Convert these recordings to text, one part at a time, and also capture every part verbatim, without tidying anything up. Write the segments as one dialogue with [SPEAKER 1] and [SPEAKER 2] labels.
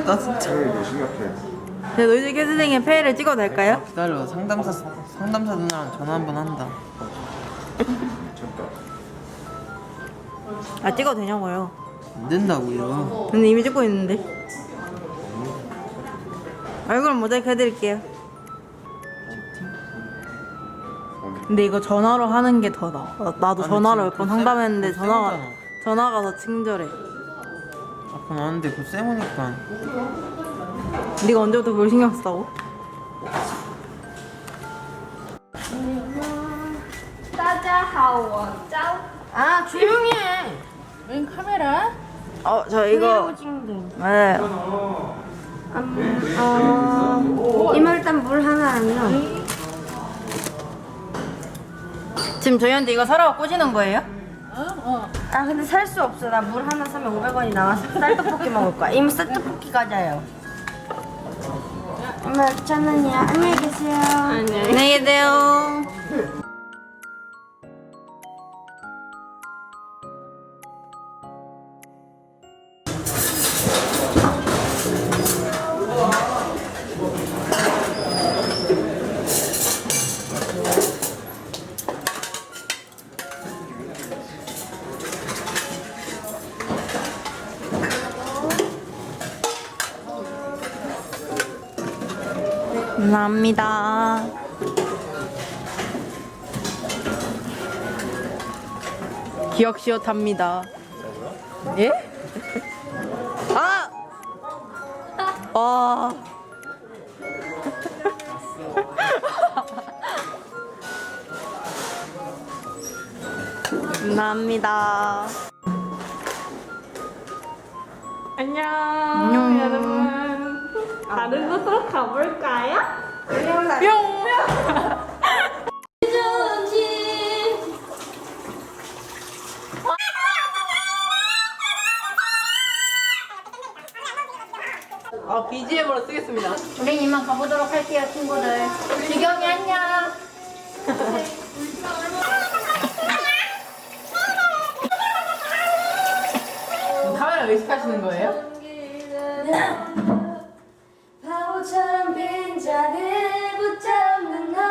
[SPEAKER 1] 심각하다 진짜.
[SPEAKER 2] 되게 심각해.
[SPEAKER 3] 제 노이즈 캔슬링에 페이를 찍어도 될까요?
[SPEAKER 1] 기다려. 상담사 상담사 누나랑 전화 한번 한다.
[SPEAKER 2] 잠깐.
[SPEAKER 3] 아 찍어도 되냐고요?
[SPEAKER 1] 안 된다고요.
[SPEAKER 3] 근데 이미 찍고 있는데. 얼굴 모자이크 해드릴게요. 근데 이거 전화로 하는 게 더 나아. 나- 나도
[SPEAKER 1] 아니,
[SPEAKER 3] 전화로
[SPEAKER 1] 지금
[SPEAKER 3] 몇 번
[SPEAKER 1] 그 쌤-
[SPEAKER 3] 상담했는데
[SPEAKER 1] 그
[SPEAKER 3] 전화가
[SPEAKER 1] 쌤이잖아.
[SPEAKER 3] 전화가 더 친절해.
[SPEAKER 1] 아까 나왔는데 그 쌤오니까.
[SPEAKER 3] 네가 언제부터 그걸 신경 썼다고?
[SPEAKER 4] 大家好，我叫
[SPEAKER 3] 아 조용히 해.
[SPEAKER 4] 웬 카메라?
[SPEAKER 3] 어 저 이거 네.
[SPEAKER 4] 음, 어, 이모 일단 물 하나랑요.
[SPEAKER 3] 지금 저희한테 이거 사러 꼬시는 거예요?
[SPEAKER 4] 아 근데 살 수 없어. 나 물 하나 사면 오백 원이 나와서 쌀떡볶이 먹을 거야. 이모 쌀떡볶이 가자요. 엄마 천 원이야. 안녕히 계세요.
[SPEAKER 3] 안녕히 계세요. 감사합니다. 기억시옷합니다. 예? 아! 와. 감사합니다.
[SPEAKER 5] 안녕,
[SPEAKER 3] 안녕.
[SPEAKER 5] 여러분. 다른 곳으로 가볼까요?
[SPEAKER 3] 뿅! 아, 비지엠으로 쓰겠습니다.
[SPEAKER 4] 우린 이만 가보도록 할게요, 친구들. 지경이 안녕.
[SPEAKER 3] 카메라 의식하시는 거예요?
[SPEAKER 4] 바보처럼 빈자리를 붙잡는 너.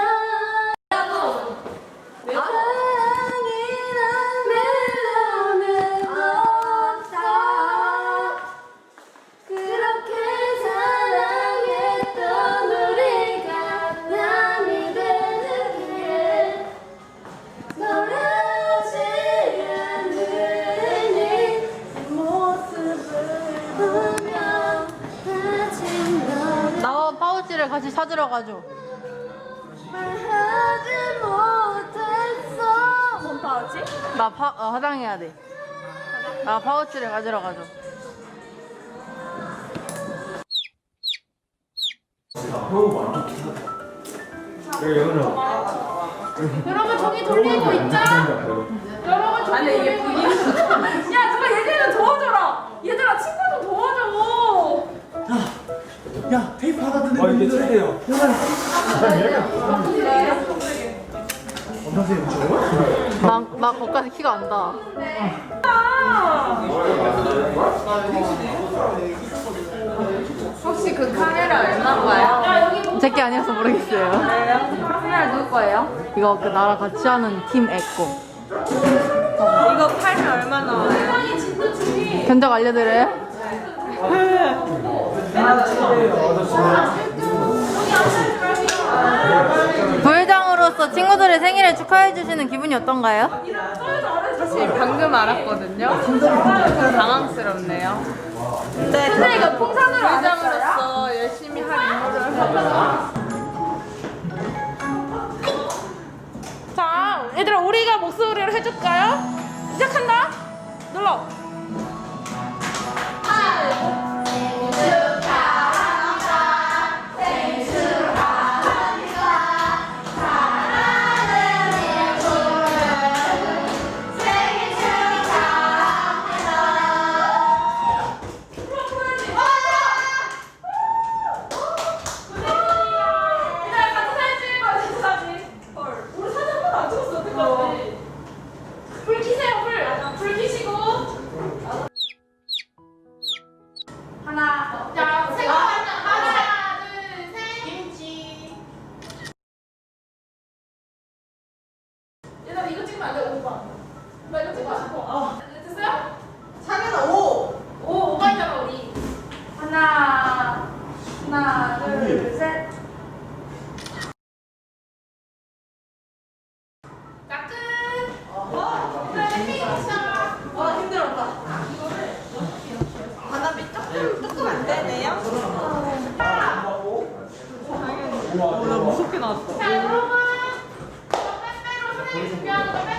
[SPEAKER 4] 사랑이란 멜로는 없다. 그렇게 사랑했던 우리가 남이 되는 게 돌아오지 않으니 모습을 보며 아직 널
[SPEAKER 3] 나와 파우치를 같이 찾으러 가죠.
[SPEAKER 4] 말하지 못했어. 뭔 파우치?
[SPEAKER 3] 나 파, 어, 화장해야 돼. 나 파우치를 가지러 가죠.
[SPEAKER 5] 여러분 저기 돌리고 있자. 여러분 저기 아니 이게 분위기. 야 누가 얘들을 도와줘라. 얘들아 친구 좀 도와줘.
[SPEAKER 2] 야, 테이프 하나 드는 거 이게 최대요. 엄마세요, 저거?
[SPEAKER 3] 나, 나 거기까지 키가 안 닿아.
[SPEAKER 5] 혹시 그 카메라 얼마인가요?
[SPEAKER 3] 제게 아니어서 모르겠어요.
[SPEAKER 5] 카메라 누구 거예요?
[SPEAKER 3] 이거 그 나랑 같이 하는 팀 에코.
[SPEAKER 5] 이거 팔면 얼마 나와요?
[SPEAKER 3] 견적 알려드려요? 부회장으로서 친구들의 생일을 축하해주시는 기분이 어떤가요?
[SPEAKER 5] 사실 방금 알았거든요. 좀 당황스럽네요. 네, 근데 이거 풍선으로 부회장으로서 열심히 할 임무를 하고. 자, 얘들아 우리가 목소리를 해줄까요? 시작한다. 눌러. 불 켜세요, 불. 불 켜시고. 하나, 자, 얘들아 이거 찍으면 안 돼. 오빠. 나 이거 찍고 싶어. 어. 됐어요?
[SPEAKER 6] 상현아 오.
[SPEAKER 5] 오, 오가 있잖아 우리. 하나, 하나, 둘, 셋. 자, 끝. 그다음에 핑 시작.
[SPEAKER 6] 어 힘들었다. 바람이 조금 조금 안 되네요.
[SPEAKER 5] 자, 여러분. 저 빼빼로 선생님 준비하는 거 빼.